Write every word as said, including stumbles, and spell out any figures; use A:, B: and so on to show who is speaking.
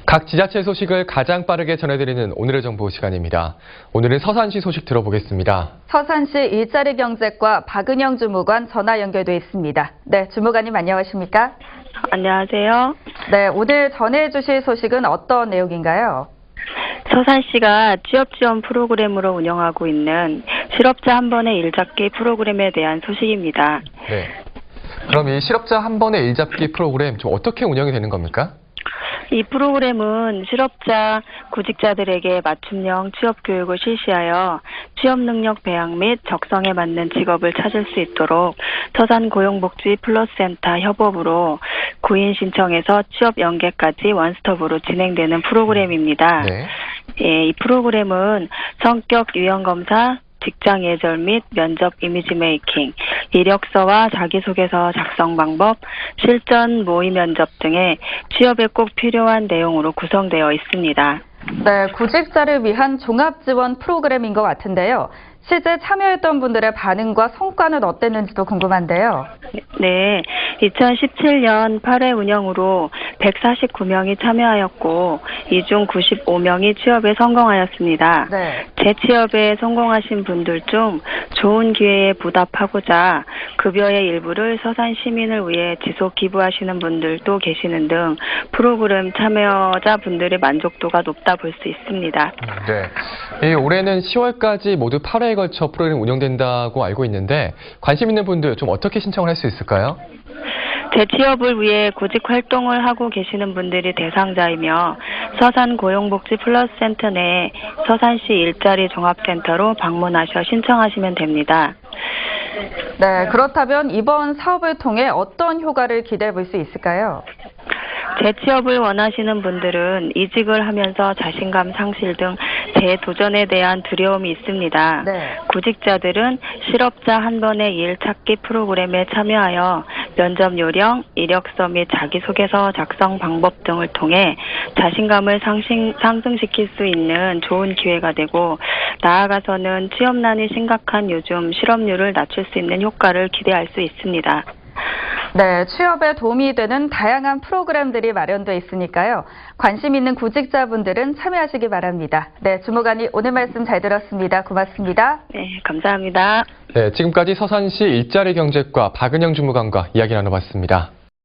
A: 각 지자체 소식을 가장 빠르게 전해드리는 오늘의 정보 시간입니다. 오늘은 서산시 소식 들어보겠습니다.
B: 서산시 일자리 경제과 박은영 주무관 전화 연결돼 있습니다. 네, 주무관님 안녕하십니까?
C: 안녕하세요.
B: 네, 오늘 전해주실 소식은 어떤 내용인가요?
C: 서산시가 취업지원 프로그램으로 운영하고 있는 실업자 한 번의 일 잡기 프로그램에 대한 소식입니다.
A: 네. 그럼 이 실업자 한 번의 일 잡기 프로그램 좀 어떻게 운영이 되는 겁니까?
C: 이 프로그램은 실업자, 구직자들에게 맞춤형 취업 교육을 실시하여 취업 능력 배양 및 적성에 맞는 직업을 찾을 수 있도록 서산고용복지 플러스센터 협업으로 구인 신청에서 취업 연계까지 원스톱으로 진행되는 프로그램입니다.
A: 네.
C: 예, 이 프로그램은 성격 유형 검사, 직장 예절 및 면접 이미지 메이킹, 이력서와 자기소개서 작성 방법, 실전 모의 면접 등의 취업에 꼭 필요한 내용으로 구성되어 있습니다.
B: 네, 구직자를 위한 종합지원 프로그램인 것 같은데요. 실제 참여했던 분들의 반응과 성과는 어땠는지도 궁금한데요.
C: 네, 이천십칠 년 팔 회 운영으로 백사십구 명이 참여하였고 이 중 구십오 명이 취업에 성공하였습니다.
B: 네.
C: 재취업에 성공하신 분들 중 좋은 기회에 보답하고자 급여의 일부를 서산 시민을 위해 지속 기부하시는 분들도 계시는 등 프로그램 참여자 분들의 만족도가 높다 볼 수 있습니다.
A: 네. 이 올해는 시월까지 모두 팔 회에 걸쳐 프로그램 운영된다고 알고 있는데 관심 있는 분들 좀 어떻게 신청을 할 수 있을까요?
C: 재취업을 위해 구직 활동을 하고 계시는 분들이 대상자이며 서산고용복지 플러스센터 내 서산시 일자리 종합센터로 방문하셔 신청하시면 됩니다.
B: 네, 그렇다면 이번 사업을 통해 어떤 효과를 기대해 볼 수 있을까요?
C: 재취업을 원하시는 분들은 이직을 하면서 자신감 상실 등 재도전에 대한 두려움이 있습니다.
B: 네.
C: 구직자들은 실업자 한 번의 일 찾기 프로그램에 참여하여 면접 요령, 이력서 및 자기소개서 작성 방법 등을 통해 자신감을 상승, 상승시킬 수 있는 좋은 기회가 되고 나아가서는 취업난이 심각한 요즘 실업률을 낮출 수 있는 효과를 기대할 수 있습니다.
B: 네, 취업에 도움이 되는 다양한 프로그램들이 마련되어 있으니까요. 관심 있는 구직자분들은 참여하시기 바랍니다. 네, 주무관이 오늘 말씀 잘 들었습니다. 고맙습니다.
C: 네, 감사합니다.
A: 네, 지금까지 서산시 일자리 경제과 박은영 주무관과 이야기 나눠봤습니다.